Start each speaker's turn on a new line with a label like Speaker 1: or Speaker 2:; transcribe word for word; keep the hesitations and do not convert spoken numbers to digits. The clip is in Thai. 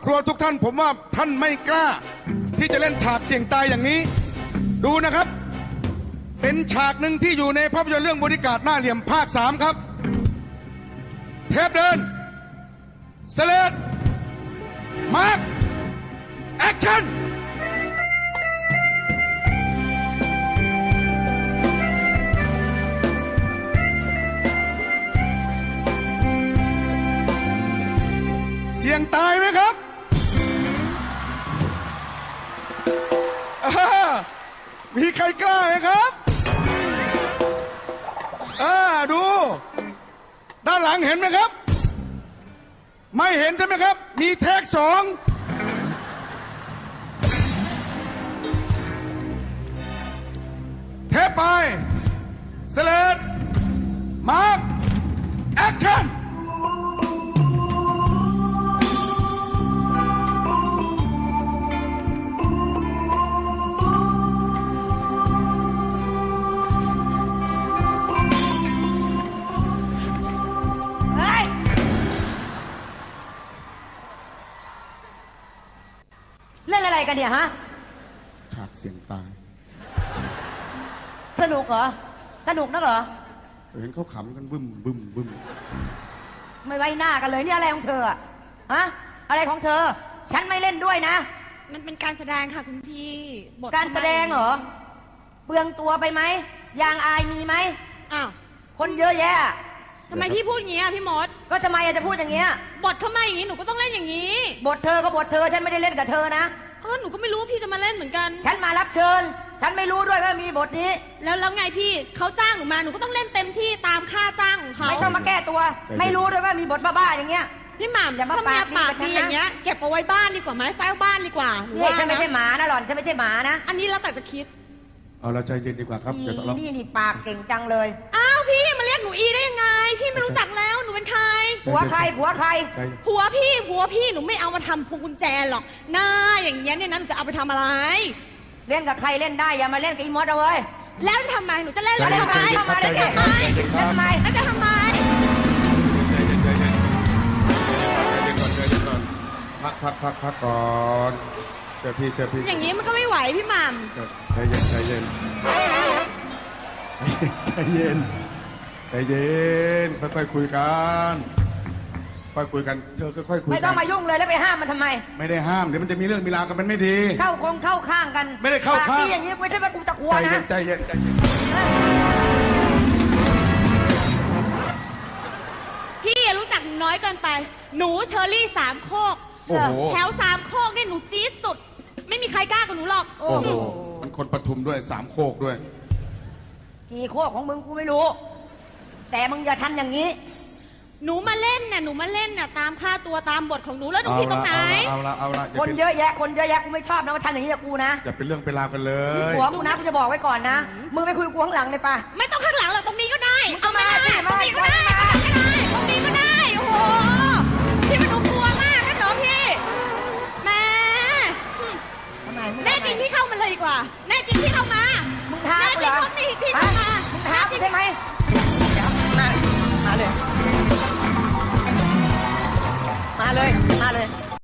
Speaker 1: ครัวทุกท่านผมว่าท่านไม่กล้าที่จะเล่นฉากเสี่ยงตายอย่างนี้ดูนะครับเป็นฉากหนึ่งที่อยู่ในภาพยนตร์เรื่องบอดี้การ์ดหน้าเหลี่ยมภาคสามครับเทปเดินสเลดมาร์คแอคชั่นเสี่ยงตายไหมครับมีใครกล้าไหมครับอ่าดูด้านหลังเห็นไหมครับไม่เห็นใช่ไหมครับมีเทคสองเทปไปสเลดมาร์คแอคชั่น
Speaker 2: เล่นอะไรกันเนี่ยฮะ
Speaker 1: ฉากเสียงตาย
Speaker 2: สนุกเหรอสนุกนักเหรอ
Speaker 1: เห็นเขาขำกันบึ้มบึ้มบึ้ม
Speaker 2: ไม่ไว้หน้ากันเลยนี่อะไรของเธออะฮะอะไรของเธอฉันไม่เล่นด้วยนะ
Speaker 3: มันเป็นการแสดงค่ะคุณพี่บท
Speaker 2: การแสดงเหรอเปลืองตัวไปไหมยางอายมีไหม
Speaker 3: อ้าว
Speaker 2: คนเยอะแยะ
Speaker 3: ทำไมพี่พูดอย่างนี้อ่ะพี่มด
Speaker 2: ก็ทำไมจะพูดอย่างเงี้ย
Speaker 3: บทเข้ามาอย่างนี้หนูก็ต้องเล่นอย่างนี้
Speaker 2: บทเธอก็บทเธอฉันไม่ได้เล่นกับเธอนะ
Speaker 3: อ๋อหนูก็ไม่รู้ว่าพี่จะมาเล่นเหมือนกัน
Speaker 2: ฉันมารับเชิญฉันไม่รู้ด้วยว่ามีบทนี้
Speaker 3: แล้วแล้วไงพี่เขาจ้างหนูมาหนูก็ต้องเล่นเต็มที่ตามค่าจ้างของเขา
Speaker 2: ไม่ต้องมาแก้ตัวไม่รู้ด้วยว่ามีบทบ้าๆอย่างเงี้ย
Speaker 3: พี่หม่ำอย่ามาปากดีปากดีอย่างเงี้ยเก็บเอาไว้บ้านดีกว่าไหมเฝ้าบ้านดีกว่า
Speaker 2: นี่ฉันไม่ใช่หมานะหล่อนฉันไม่ใช่หมานะ
Speaker 3: อันนี้แล้วแต่จะคิด
Speaker 1: เอาเราใจเย็นดีกว่าครับ
Speaker 2: นี่นี่ปากเก่งจังเลย
Speaker 3: อ้าวพี่มาเรียกหนูอีได้ยังไงพี่ไม่รู้จักแล้วหนูเป็นใคร
Speaker 2: ผัวใครผัวใคร
Speaker 3: ผัวพี่ผัวพี่หนูไม่เอามาทำพวงกุญแจหรอกหน้าอย่างเงี้ยเนี่ยนั่นจะเอาไปทำอะไร
Speaker 2: เล่นกับใครเล่นได้อย่ามาเล่นกับอีมดเอาเว้ย
Speaker 3: แล้วทำไมหนูจะเล่นแล้วทำไม
Speaker 2: ทำไมได้ทำไมทำไม
Speaker 3: แล้วจะทำไม
Speaker 1: ใจเย็นใจเย็นใจเย็นก่อนใจเย็นก่อนพักพักพักพักก่อนเจอพี่เจอพี่
Speaker 3: อย่างนี้มันก็ไม่ไหวพี่หม่
Speaker 1: ำใจเย็นใจเย็นใจเย็นใจเย็นค่อยๆคุยกันค่อยคุยกันเธอค่อยๆคุยกัน
Speaker 2: ไม่ต้องมายุ่งเลยแล้วไปห้ามมันทำไม
Speaker 1: ไม่ได้ห้ามเดี๋ยวมันจะมีเรื่องมีราวกันมันไม่ดี
Speaker 2: เข้าคงเข้าข้างกัน
Speaker 1: ไม่ได้เข้าข้าง
Speaker 2: อย่างนี้ไม่ใช่ว่ากูจะกลัวนะ
Speaker 1: ใจเย็นใจเย็น
Speaker 3: พี่รู้จักน้อยเกินไปหนูเชอรี่สามโคกแถวสามโคกนี่หนูจี๊ดสุดไม่มีใครกล้ากับหนูหรอก
Speaker 1: โอ้โหมันคนปทุมด้วยสามโคกด้วย
Speaker 2: กี่โคกของมึงกูไม่รู้แต่มึงอย่าทำอย่างนี้
Speaker 3: หนูมาเล่นน่ะหนูมาเล่นน่ะตามค่าตัวตามบทของหนูแล้วหนูผิดตรงไหน
Speaker 1: เอาละเอาละ
Speaker 2: คนเยอะแยะคนเยอะแยะกูไม่ชอบนะมาทำอย่างนี้กับกูนะ
Speaker 1: อย่าเป็นเรื่องเป็นราวกันเลย
Speaker 2: หัวกูนะกูจะบอกไว้ก่อนนะมึงไปคุยกูข้างหลังเลยปะ
Speaker 3: ไม่ต้องข้างหลังหรอกตรงนี้ก็ได้เอามาตรงนี้ก็ได้ตรงนี้ก็ได้โอ้โหพี่มันหนูกลัวมากนะน้องพี่แม่แน่จริงพี่เข้ามาเลยดีกว่าแน่จริงพี่เข้ามา
Speaker 2: มึงท้ากูเหรอ
Speaker 3: แน่จริงพี่เข้ามา
Speaker 2: มึงท้ากูใช่ไหมมามาเลยมาเลยมาเลย